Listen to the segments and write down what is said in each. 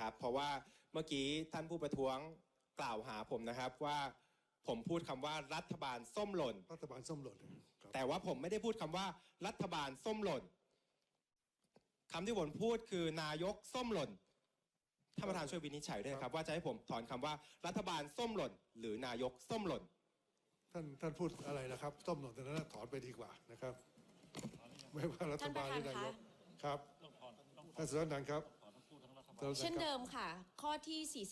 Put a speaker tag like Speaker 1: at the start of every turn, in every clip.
Speaker 1: นะครับเพราะว่าเมื่อกี้ท่านผู้ประท้วงกล่าวหาผมนะครับว่าผมพูดคำว่ารัฐบาลส้มหล่น
Speaker 2: รัฐบาลส้มหล่น
Speaker 1: แต่ว่าผมไม่ได้พูดคำว่ารัฐบาลส้มหล่นคำที่ผมพูดคือนายกส้มหล่นท่านประธานช่วยวินิจฉัยด้วยครับว่าจะให้ผมถอนคำว่ารัฐบาลส้มหล่นหรือนายกส้มหล่น
Speaker 2: ท่านพูดอะไรนะครับส้มหล่นแต่นั้นถอนไปดีกว่านะครับไม่ว่ารัฐบาลหรือนายกครับท่านสุรนันท์ครับ
Speaker 3: เช่นเดิมค่ะข้อที่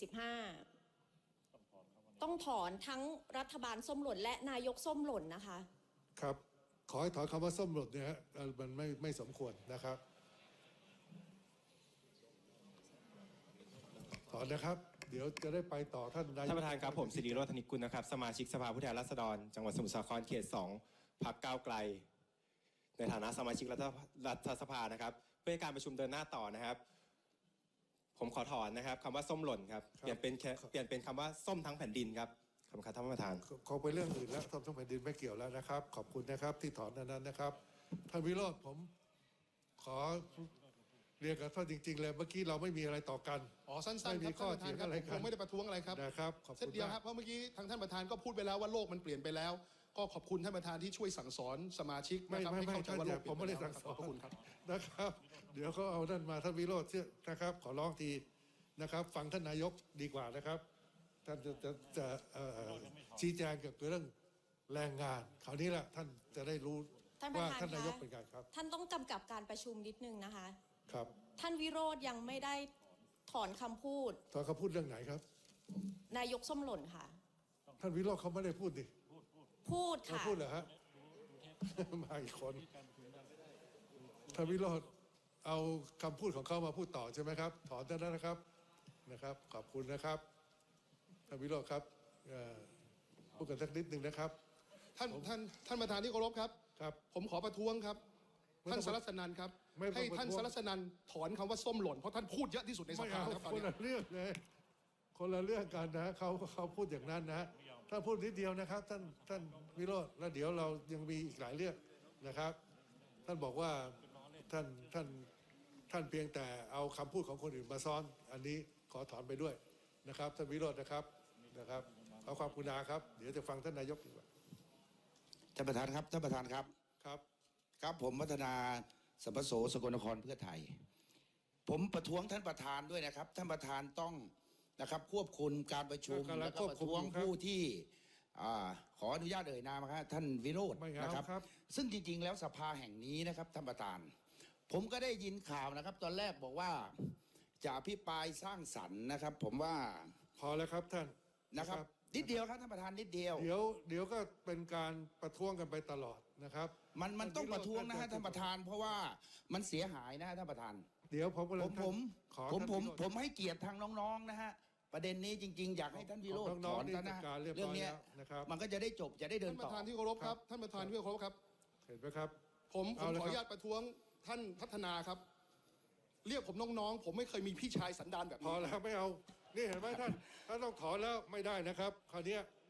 Speaker 3: 45ต้องถอนทั้งรัฐบาลส้มหล่นและนายกส้มหล่นนะคะ
Speaker 2: ครับขอให้ถอนคำว่าส้มหล่นเนี่ยมันไม่สมควรนะครับถอนนะครับเดี๋ยวจะได้ไปต่อท่านนายก
Speaker 1: ท่านประธานครับผมสิริโรจน์ ธนิกุลนะครับสมาชิกสภาผู้แทนราษฎรจังหวัดสมุทรสาครเขต2พรรคก้าวไกลในฐานะสมาชิกรัฐสภานะครับเพื่อการประชุมเดินหน้าต่อนะครับผมขอถอนนะครับคำว่าส้มหล่นครับเปลี่ยนเป็นคำว่าส้มทั้งแผ่นดินครับขอบคุณครับท่านประธาน
Speaker 2: ขอไปเรื่องอื่นแล้วส้มทั้งแผ่นดินไม่เกี่ยวแล้วนะครับขอบคุณนะครับที่ถอนนั้นนะครับท่านวิโรจน์ผมขอเรียนกับท่านจริงๆเลยเมื่อกี้เราไม่มีอะไรต่อกัน
Speaker 4: สั้นๆครับท่านประธานครับผมไม่ได้ประท้วงอะไรครับ
Speaker 2: นะครับขอบคุณ
Speaker 4: เดียวครับเพราะเมื่อกี้ทางท่านประธานก็พูดไปแล้วว่าโลกมันเปลี่ยนไปแล้วก็ขอบคุณท่านประธานที่ช่วยสั่งสอนสมาชิกนะครับให้เข้าใจว่าโลก
Speaker 2: ผมไม่ได้สั่งสอน
Speaker 4: ขอบคุณครับ
Speaker 2: นะครับเดี๋ยวเขาเอาท่านมาท่านวิโรจน์นะครับขอร้องทีนะครับฟังท่านนายกดีกว่านะครับท่านจะชี้แจงเกี่ยวกับเรื่องแรงงานคราวนี้แหละท่านจะได้รู้ว่าท่านนายกเป็นไงครับ
Speaker 3: ท่านต้องกำกับการประชุมนิดนึงนะคะ
Speaker 2: ครับ
Speaker 3: ท่านวิโรจน์ยังไม่ได้ถอนคำพูด
Speaker 2: ถอนคำพูดเรื่องไหนครับ
Speaker 3: นายกส้มหล่นค่ะ
Speaker 2: ท่านวิโรจน์เขาไม่ได้พูดดิ
Speaker 3: พูดค่ะ
Speaker 2: พูดเหรอฮะมาอีกคนท่านวิโรจน์เอาคำพูดของเขามาพูดต่อใช่ไหมครับถอนได้แล้วนะครับขอบคุณนะครับท่านวิโรจน์ครับพูดกันสักนิดหนึ่งนะครับ
Speaker 4: ท่านประธานที่เคารพครับผมขอประท้วงครับท่านสรัสนันท์ครับให้ท่านสรัสนันท์ถอนคำว่าส้มหล่นเพราะท่านพูดเยอะที่สุดในสภาครับ
Speaker 2: คนละเรื่องเลยคนละเรื่องกันนะเขาพูดอย่างนั้นนะท่านพูดนิดเดียวนะครับท่านวิโรจน์แล้วเดี๋ยวเรายังมีอีกหลายเรื่องนะครับท่านบอกว่าท่านเพียงแต่เอาคำพูดของคนอื่นมาซ้อนอันนี้ขอถอนไปด้วยนะครับท่านวิโรจน์นะครับเอาความกรุณาครับเดี๋ยวจะฟังท่านนายกดีกว่า
Speaker 5: ท่านประธานครับครับผมวัฒนาสัมปโสสกลนครเพื่อไทยผมประท้วงท่านประธานด้วยนะครับท่านประธานต้องนะครับควบคุมการประชุมแล้วก็ประท้วงผู้ที่ขออนุญาตเอ่ยนามครับท่านวิโรจน์นะครับซึ่งจริงๆแล้วสภาแห่งนี้นะครับท่านประธานผมก็ได้ยินข่าวนะครับตอนแรกบอกว่าจะอภิปรายสร้างสรรค์นะครับผมว่า
Speaker 2: พอแล้วครับท่าน
Speaker 5: นะครับนิดเดียวครับท่านประธานนิดเดียว
Speaker 2: เดี๋ยวก็เป็นการประท้วงกันไปตลอดนะครับ
Speaker 5: มันต้องประท้วงนะฮะท่านประธานเพราะว่ามันเสียหายนะฮะท่านประธาน
Speaker 2: เดี๋ยวผม
Speaker 5: ให้เกียรติทางน้องๆนะฮะประเด็นนี้จริงๆอยากให้ท่านวิโรจน์ถอนนะเรื่องนี้มันก็จะได้จบจะได้เดินต่อ
Speaker 4: ท่านประธานที่เคารพครับท่านประธานที่เคารพครับ
Speaker 2: เห็นไหมครับ
Speaker 4: ผมขออนุญาตประท้วงท่านพัฒนาครับเรียกผมน้องๆผมไม่เคยมีพี่ชายสันดานแบบนี้
Speaker 2: พอแล้วไม่เอานี่เห็นไหมท่านต้องถอนแล้วไม่ได้นะครับคราวนี้